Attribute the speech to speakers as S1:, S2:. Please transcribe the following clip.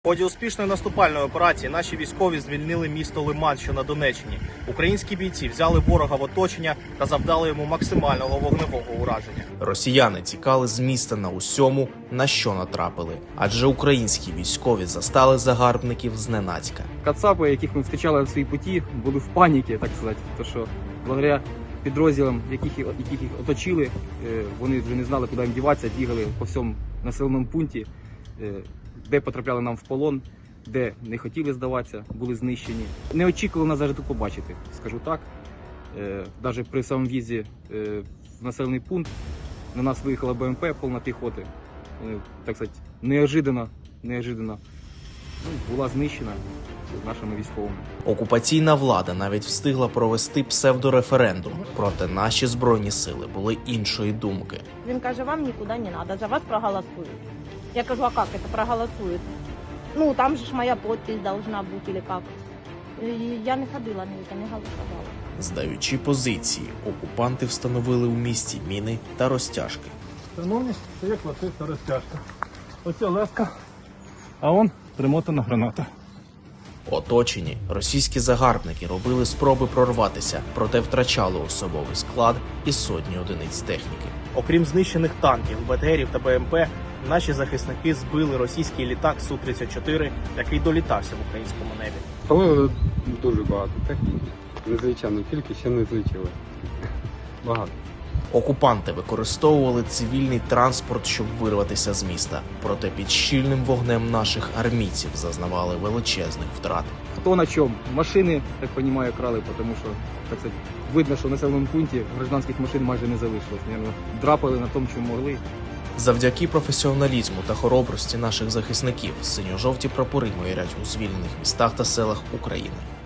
S1: В ході успішної наступальної операції наші військові звільнили місто Лиман, що на Донеччині. Українські бійці взяли ворога в оточення та завдали йому максимального вогневого ураження. Росіяни тікали з міста на усьому, на що натрапили. Адже українські військові застали загарбників зненацька.
S2: Кацапи, яких ми зустрічали на своїй путі, були в паніці, так сказати. Тому що благодаря підрозділам, яких їх оточили, вони вже не знали, куди їм діватися, бігали по всьому населеному пункті, де потрапляли нам в полон, де не хотіли здаватися, були знищені. Не очікували нас навіть тут побачити, скажу так. Навіть при самому в'їзді в населений пункт на нас виїхала БМП, повна піхоти. Так сказати, неожиданно була знищена нашими військовими.
S1: Окупаційна влада навіть встигла провести псевдореферендум, проте наші Збройні сили були іншої думки.
S3: Він каже, вам нікуди не треба, за вас проголосують. Я кажу, а як це проголосують? Ну, там же ж моя підпис должна бути, или як? І я не ходила, не голосувала.
S1: Здаючи позиції, окупанти встановили у місті міни та розтяжки.
S4: Шановні, це є класична розтяжка. Оце леска, а он примотана граната.
S1: Оточені, російські загарбники робили спроби прорватися, проте втрачали особовий склад і сотні одиниць техніки. Окрім знищених танків, БТРів та БМП, наші захисники збили російський літак Су-34, який долітався в українському небі.
S5: Спалили дуже багато техніки. Незвичайну кількість ще не злетіли. Багато.
S1: Окупанти використовували цивільний транспорт, щоб вирватися з міста. Проте під щільним вогнем наших армійців зазнавали величезних втрат.
S2: Хто на чому? Машини, так розумію, крали, тому що так сказати, видно, що в населеному пункті гражданських машин майже не залишилось. Наверно, драпали на тому, чому могли.
S1: Завдяки професіоналізму та хоробрості наших захисників синьо-жовті прапори майорять у звільнених містах та селах України.